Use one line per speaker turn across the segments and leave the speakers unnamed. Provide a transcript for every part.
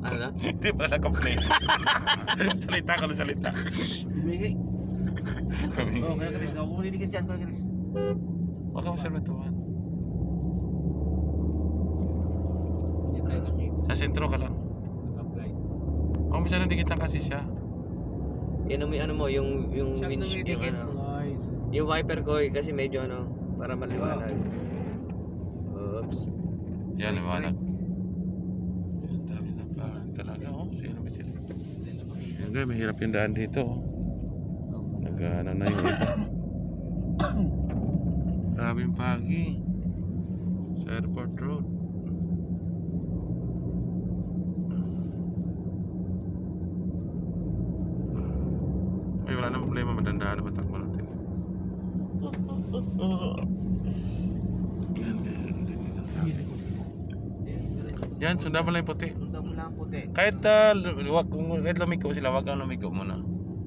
Ano?
Hindi pala naka-play. Salita ka na salita.
Bumigay. Oo, kaya Chris. Ako maliligid dyan, kaya Chris.
Huwag ka masyalatuhan.
Hindi tayo nakita.
Sa sentro ka lang.
Naka-apply.
Ako masyadong dikitan kasi siya.
Yan ano mo, yung
Siya
winch, yung
tumidikit,
ano.
guys.
Yung wiper ko kasi medyo ano, para maliwanag. Oops.
Yan, liwanag. Yan, dami na pa. Talaga, oh. Sino ba sila?
Hindi na makita.
Okay, mahirap yung daan dito. Nag-ano na yung iba. Maraming pagi. Sa airport road. Ay, wala na problema. Madandaan naman takbo natin. Yan, yan, sundan mo lang yung puti.
Sundan mo lang puti.
Kahit, kahit lumiko sila, wag kang lumiko muna.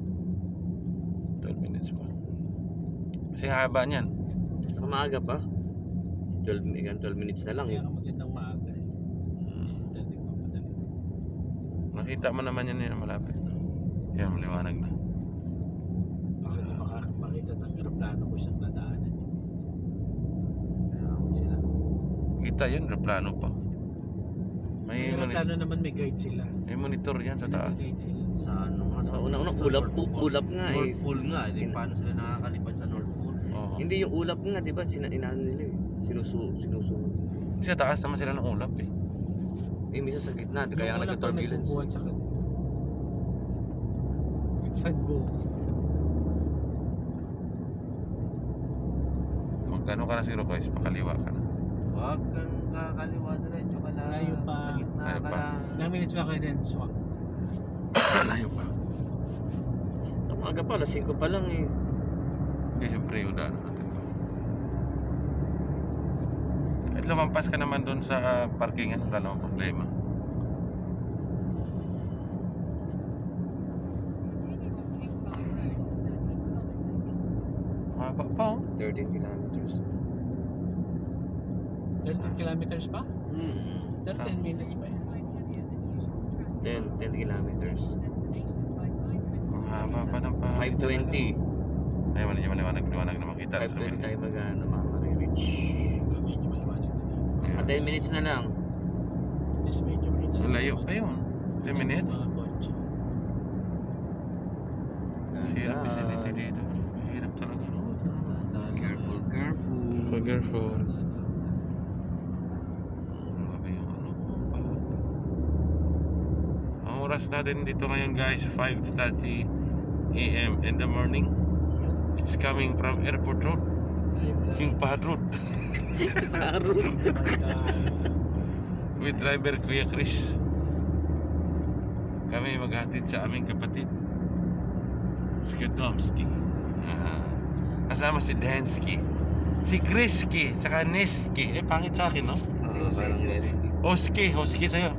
12 minutes pa. Kasi haba niyan.
Saka maaga pa. 12 minutes na lang.
Kaya ka magandang maaga eh. Kasi dati magpapadali.
Nakita mo naman yan yung malapit na. Yan, maliwanag na.
Bakit makita ng aeroplano ko siyang dadaanan.
Kaya ako sila.
Kita yan, plano pa. May,
Yung aeroplano naman may guide sila.
may monitor yan sa taas.
May guide sila.
Sa ano nga, sa unang-unang ulap nga eh. North Pole nga, di paano sila nakakalipad sa North Pole?
Oo.
Hindi yung ulap nga, di ba? Inaano nila eh. Sinusunod.
Sa taas naman sila ng ulap eh.
Eh, misa sa gitna, kaya
Yung
nga
wala pang
nagka-turbulence.
nagbubuhat sa kanila. Saan go?
Magkano ka na siguro guys, pakaliwa ka na.
Wag kang kakaliwa diretso ka lang.
Layo pa.
Sa gitna
Layo
ka
pa.
lang.
Ilang minutes ba kayo din? Swak.
Layo pa.
Sa umaga pa, alas 5 pa lang eh.
Hindi, siyempre yung daan natin. At lumampas ka naman doon sa parkingan, wala namang problema.
Continue on King Fahd Road for 13 kilometers.
Haba pa oh.
13 kilometers.
13 kilometers pa?
Hmm.
13 minutes pa yan.
Slight heavier than usual traffic.
10 kilometers.
Destination by 5
Ang haba pa ng pa.
5:20.
Ay, maliwanag na makita sa
5:20
window.
tayo mag-reach.
Medyo maliwanag na dito.
Ah, 10 minutes na lang.
Mas medyo kita.
Ang layo pa yun. 10 minutes.
Mga kotse.
Zero facility dito. Mahirap talaga.
Careful, careful.
So careful. Grabe yung ano. Ang oras natin dito ngayon guys, 5:30 AM in the morning. It's coming from Airport Road, King Fahd Road. With driver Kuya Chris. Kami maghatid sa aming kapatid Skidomski. Kasama si Dansky, si Chrisky, saka Neski. Eh, pangit sa akin, no?
Parang yes.
Hosky sa'yo.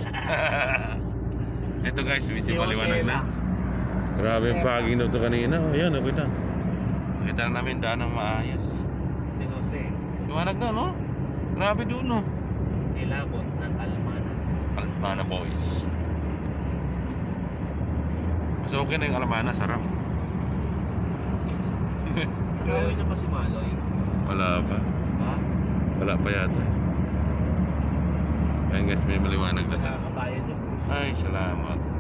Ito guys, medyo maliwanag na. Grabe yung paging daw ito kanina. Oh, yan, nakita. Nakita na namin daan ng maayos.
Si Jose,
Liwanag na, no? Grabe doon, no?
nilabot ng Almana.
Almana boys. Mas okay na yung Almana, sarap.
Kawin na pa si Maloy.
Wala pa.
Ha?
Wala pa yata. Ayan guys, may maliwanag na.
Nakakabayan yung
Ay, salamat.